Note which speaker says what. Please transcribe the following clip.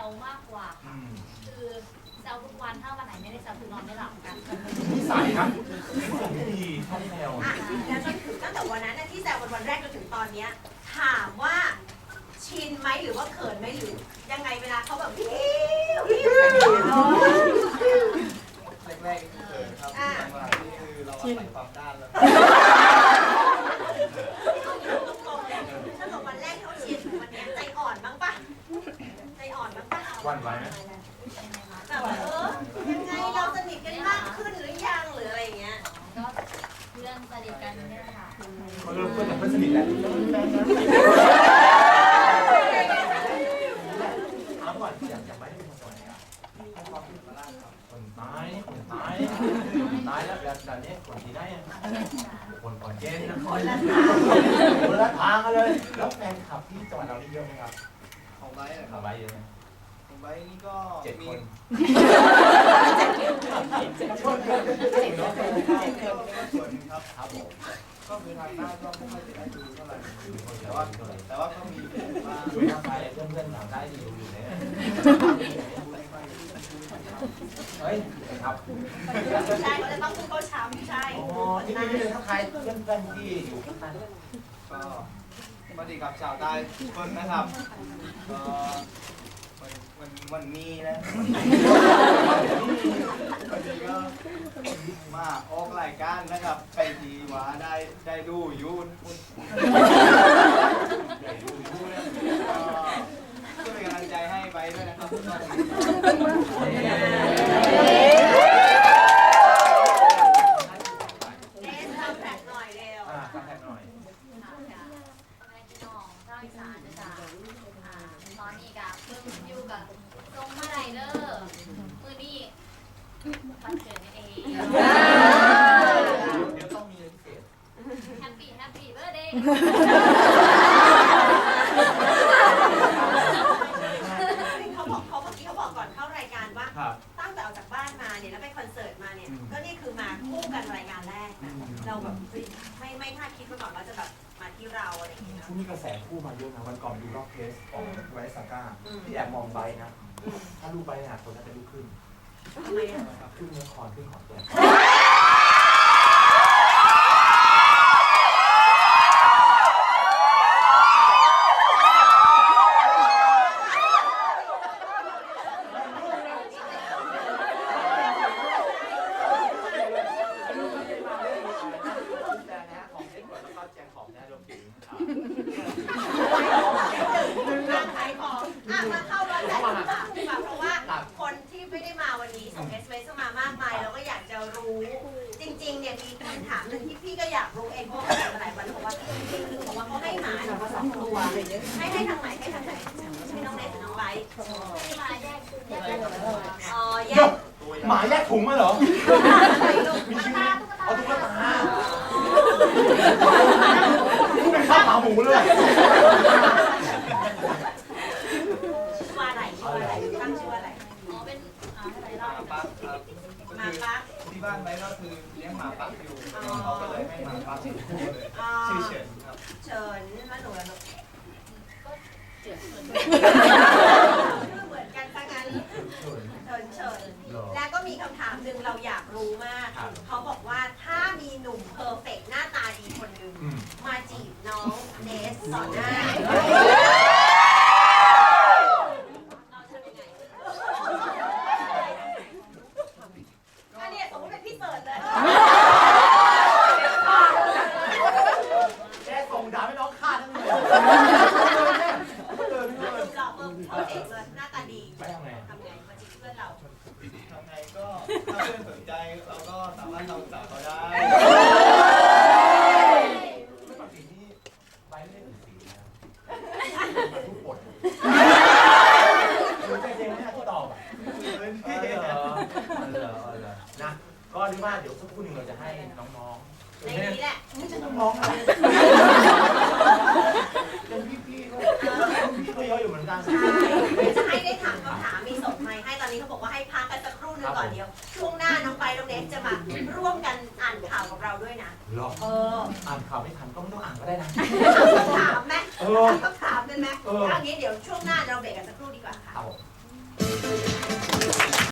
Speaker 1: วมากกว่าค่ะคือแซวทุกวันถ้าวันไหนไม่ได้แซวคือนอนไม่หลับกัน
Speaker 2: นิสัยนะไม่ดีชอบแซว
Speaker 3: แล้วจนถึงตั้งแต่วันนั้นที่แซววันแรกจนถึงตอนนี้ถามว่าชินไหมหรือว่าเขินไหมหรือยังไงเวลาเขาแบบพี่
Speaker 4: แรกๆเขินครับหลังๆนี่คือเราอาศัยความด้านแล้ว
Speaker 3: ถ้าบอกวันแรกเขาชินวันนี้ใจอ่อนบ้างปะใจอ่อนบ้างปะ
Speaker 2: วันไหวไหม
Speaker 3: แบบยังไงเราสนิทกันมากขึ้นหรือยังหรืออะไรอย่างเงี้ย
Speaker 1: ก็เพื่อนสนิทกันเนี่ยค่ะ
Speaker 2: เขาเริ่มเพื่อนแต่เพื่อนสนิทแหละถามก่อนอยากไปให้เป็นคนไหนอ่ะให้ความคิดมาล่าครับคนตายแล้วแบบนี้คนที่ได้คนก่อนเจนนะคนละทางกันเลยแล้วแฟนคลับที่จังหวัดเรานี่เยอะไหมครับ
Speaker 4: ของไบร์ทนะค
Speaker 2: ขั
Speaker 4: รั
Speaker 2: บบ ไว้เยอะไหม
Speaker 4: ของไบร์ทนี่ก็
Speaker 2: 7
Speaker 4: มี
Speaker 2: คน
Speaker 4: ส่วนครับ
Speaker 2: ครับผม
Speaker 4: ก็คือทางหน้าก็ไม่ค่อยจะได้ดูเท่าไหร่แต่ว่าก็มีบ้าง
Speaker 2: คุยทางไปเพื่อนๆถามได้ดีอยู่เนี่ยเฮ้ยครับ
Speaker 3: ใช่เขาจะต้องพูดเขาช้ำใช่
Speaker 2: อ๋อที่นี่เลยทักทายเพื่อนๆที่อยู่ข้างใต้
Speaker 4: ก็สวัสดีกับชาวใต้ทุกคนนะครับก็มันมีนะวันนี้ก็มาออกรายการนะครับไปทีว่าได้ดูยูนก็เป็นกำลังใจให้ไปด้วยนะครับ
Speaker 3: เนสทำแผลหน่อยเร็ว
Speaker 2: ตั้งแท็กหน่อย
Speaker 1: ค่ะแม่พี่น้องเจ้าอีสานจ้ะตอนนี้กับเพิ่งอยู่กับทรงมาไดเดอร์มือนี่วันเกิดเอง
Speaker 2: เดี๋ยวต้องมีพิเศษ
Speaker 1: แฮปปี้เบอร์เดย์
Speaker 3: เขาเมื่อกี้เขาบอกก่อนเข้ารายการว่า
Speaker 2: ครับ
Speaker 3: ตั้งแต่ออกจากบ้านมาเนี่ยแล้วไปคอนเสิร์ตมาเนี่ยก็นี่คือมาคู่กันรายการแรกนะเราแบบไม่คาดคิดมาก่อนว่าจะแบบมาที่เราอะไรอย่างเงี้ย
Speaker 2: ช่วงนี้กระแสคู่มาเยอะนะวันก่อนดูรอบเทสของไวซาก้าที่แอบมองไบนะถ้าลูกไบเนี่ยคนน่าจะลูกขึ้น
Speaker 3: ทำไมอ่ะ
Speaker 2: ขึ้นเนื้อคอนขึ้นของตัว
Speaker 3: ขายของมาเข้าร้านแต่งต่างๆเพราะว่าคนที่ไม่ได้มาวันนี้ส่ง SMS มามากมายเราก็อยากจะรู้จริงๆเนี่ยมีคำถามหนึ่งที่พี่ก็อยากรู้เองเพราะว่าหลายวันเพราะว่าคือบอกว่าเขาให้หมาเนี่ยมา2 ตัวให้ทางไหนให้น้องเนสหรือน้องไบร์ท
Speaker 1: มาแยกแยก
Speaker 3: อ๋อแยก
Speaker 2: หมาแยกถุงมาเหรอ
Speaker 1: ตุ๊กตา
Speaker 2: เอาตุ๊กตาเป็นข้าวขาหมูเลย
Speaker 3: ว่าอะไรตั้งชื่อว่าอะไร
Speaker 1: อ๋อเป็นอะไร
Speaker 4: ห
Speaker 1: เล่า
Speaker 4: มาปักครับ
Speaker 3: มาปัก
Speaker 4: ที่บ้านไบร์ทก็คือเลี้ยงหมาปักอยู่เขาก็เลยให้หมาปักคู่เลยชื่อเฉินครับ
Speaker 3: เชิญแล้วหนูแล้วชื่อเหมือนกันซะงั้นเชิญแล้วก็มีคำถามหนึ่งเราอยากรู้มากเขาบอกว่าถ้ามีหนุ่มเพอร์เฟกต์หน้าตาดีคนหนึ่งมาจีบน้องเนสต่อหน้าเราทำยังไงอันนี้สมมติเป็นพี่เสิร์ชเลย
Speaker 2: แกส่งด่าให้น้องฆ่าทั้งเลย
Speaker 3: หล่อเพอร์เฟกต์เลยหน้าตาดี
Speaker 2: ไปทำไง
Speaker 3: ทำไงมาจีบเพื่อนเรา
Speaker 4: ทำไงก็ถ้าเพื่อนสนใจเราก็สามารถทำสาวเขาได้
Speaker 2: ไม่ปกตินี่ไปไม่ได้ถึงสีนะทุกบทใจเย็นไม่น่าที่ตอบนะก็เรียกว่าเดี๋ยวสักครู่หนึ่งเราจะให้น้องๆ
Speaker 3: ในนี้แหละ
Speaker 2: ไม่ใช่น้องๆนะเป็นพี่ๆก็เยอะอยู่เหมือนกัน
Speaker 3: ใช่จะให้ได้ถามคำถามมีส่งไมค์ให้ตอนนี้เขาบอกว่าให้พักกันสักครู่หนึงก่อนเดียว ช่วงหน้าน้องไปน้องเนสจะมาร่วมกันอ่านข่าวกับเราด้วยนะ
Speaker 2: หรออ่านข่าวไม่ทันก็ไม่ต้องอ่านก็ได้นะ
Speaker 3: ถามไหมถามกันไหมเอางี้เดี๋ยวช่วงหน้าเราเบรกกันสักครู่ดีกว่าค่ะ
Speaker 2: ครับผม